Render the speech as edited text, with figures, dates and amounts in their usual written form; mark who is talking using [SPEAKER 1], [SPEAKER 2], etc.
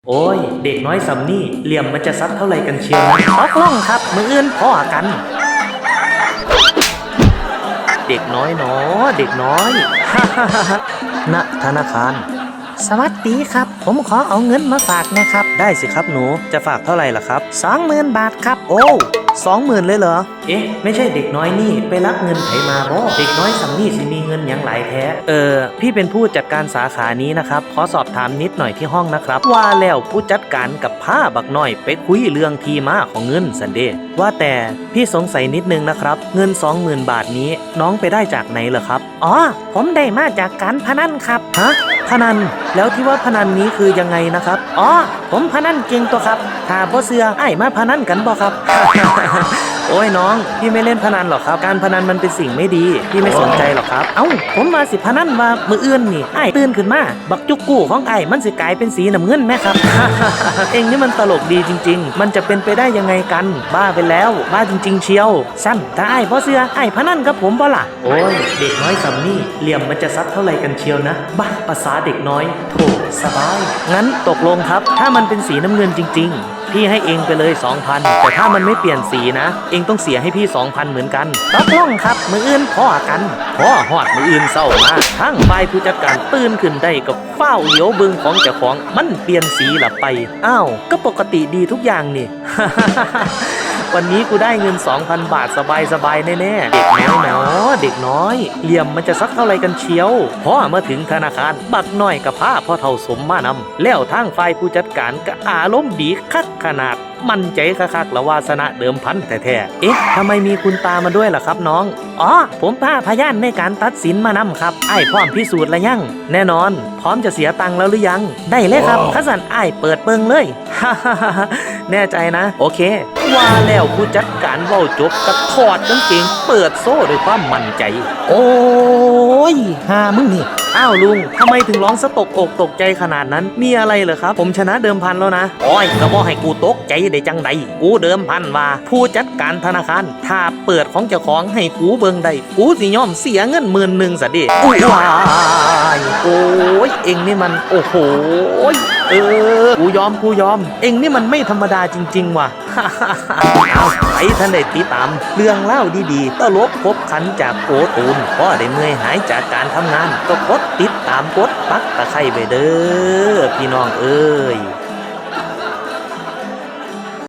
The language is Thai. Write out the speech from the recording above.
[SPEAKER 1] โอ้ยเด็กน้อยสำนี่เหลี่ยมมันจะซัดเท่าไรกันเชียวนะตกลงครับมืออื่นพ่อกัน เด็กน้อยเนาะเด็กน้อยณธนาคารสวัสดีครับผมขอเอาเงินมาฝากนะครับได้สิครับหนูจะฝากเท่าไหร่ล่ะครับ 20,000 บาทครับโอ้20,000เลยเหรอเอ๊ะไม่ใช่เด็กน้อยนี่ไปรับเงินไถมาบ่เด็กน้อยสำนี่สิมีเงินอย่างหลายแท้พี่เป็นผู้จัดการสาขานี้นะครับขอสอบถามนิดหน่อยที่ห้องนะครับว่าแล้วผู้จัดการกับผ้าบักน้อยไปคุยเรื่องที่มาของเงินสันเดย์ว่าแต่พี่สงสัยนิดนึงนะครับเงิน 20,000 บาทนี้น้องไปได้จากไหนเหรอครับอ๋อผมได้มาจากการพนันครับฮะพนันแล้วที่ว่าพนันนี้คือยังไงนะครับอ๋อผมพนันเก่งตัวครับถ้าบ่เสือไอ้มาพนันกันบ่ครับ โอ้ยน้องพี่ไม่เล่นพนันหรอกครับการพนันมันเป็นสิ่งไม่ดีพี่ไม่สนใจหรอกครับเอ้าผมมาสิพนันว่ามืออื่นนี่ไอ้ตื่นขึ้นมาบักจุกกู้ของไอ้มันสิกลายเป็นสีน้ำเงินไหมครับ เองนี่มันตลกดีจริงๆมันจะเป็นไปได้ยังไงกันบ้าไปแล้วบ้าจริงๆเชียวสั้นถ้าไอ้บ่เสือไอ้พนันกับผมบ่ล่ะโอ้ยเด็กน้อยสำนี่เหลี่ยมมันจะซัดเท่าไรกันเชียวนะบ้าภาษาเด็กน้อยโถสบายงั้นตกลงครับถ้ามันเป็นสีน้ำเงินจริงๆพี่ให้เองไปเลย 2,000 แต่ถ้ามันไม่เปลี่ยนสีนะเองต้องเสียให้พี่ 2,000 เหมือนกันตกลงครับมืออื่นพ่อกันพ่อฮอดมืออื่นเศร้ามาทั้งฝ่ายผู้จัดการตื่นขึ้นได้กับเฝ้าเหลียวเบิงของเจ้าของมันเปลี่ยนสีละไปอ้าวก็ปกติดีทุกอย่างนี่ วันนี้กูได้เงิน 2,000 บาทสบายๆแน่ๆเด็กน้อยเนาะเด็กน้อยเหลี่ยมมันจะสักเท่าไรกันเชียวพ่อมาถึงธนาคารบักน้อยกับผ้าพ่อเท่าสมมานำแล้วทางฝ่ายผู้จัดการก็อารมณ์ดีคักขนาดมั่นใจคักๆละวาสนะเดิมพันแท้ๆเอ๊ะทำไมมีคุณตามาด้วยล่ะครับน้องอ๋อผมพาพยานในการตัดสินมานำครับไอ้พร้อมพิสูจน์ละยังแน่นอนพร้อมจะเสียตังค์แล้วหรือยังได้เลยครับข้าสันไอ้เปิดเปิงเลย แน่ใจนะโอเคว่าแล้วผู้จัดการเว้าจบกระถอดกางเกงเปิดโซ่ด้วยความมั่นใจโอ้ยหามึงนี่อ้าวลุงทำไมถึงร้องสะตกอกตกใจขนาดนั้นมีอะไรเหรอครับผมชนะเดิมพันแล้วนะโอ้ยก็บอกให้กูตกใจได้จังใดกูเดิมพันว่าผู้จัดการธนาคารถ้าเปิดของเจ้าของให้กูเบิ่งได้กูสิยอมเสียเงิน10,000ซะดิอุ้ยว้ายโอ้ยเอ็งนี่มันโอ้โหกูยอมเอ็งนี่มันไม่ธรรมดาจริงๆว่ะ เอาไปท่านได้ติดตามเรื่องเล่าดีๆตลกครบขันจากโกตูนพอได้เมื่อยหายจากการทำงานก็กดติดตามกดปักตะไคร้ไปเด้อพี่น้องเอ้ย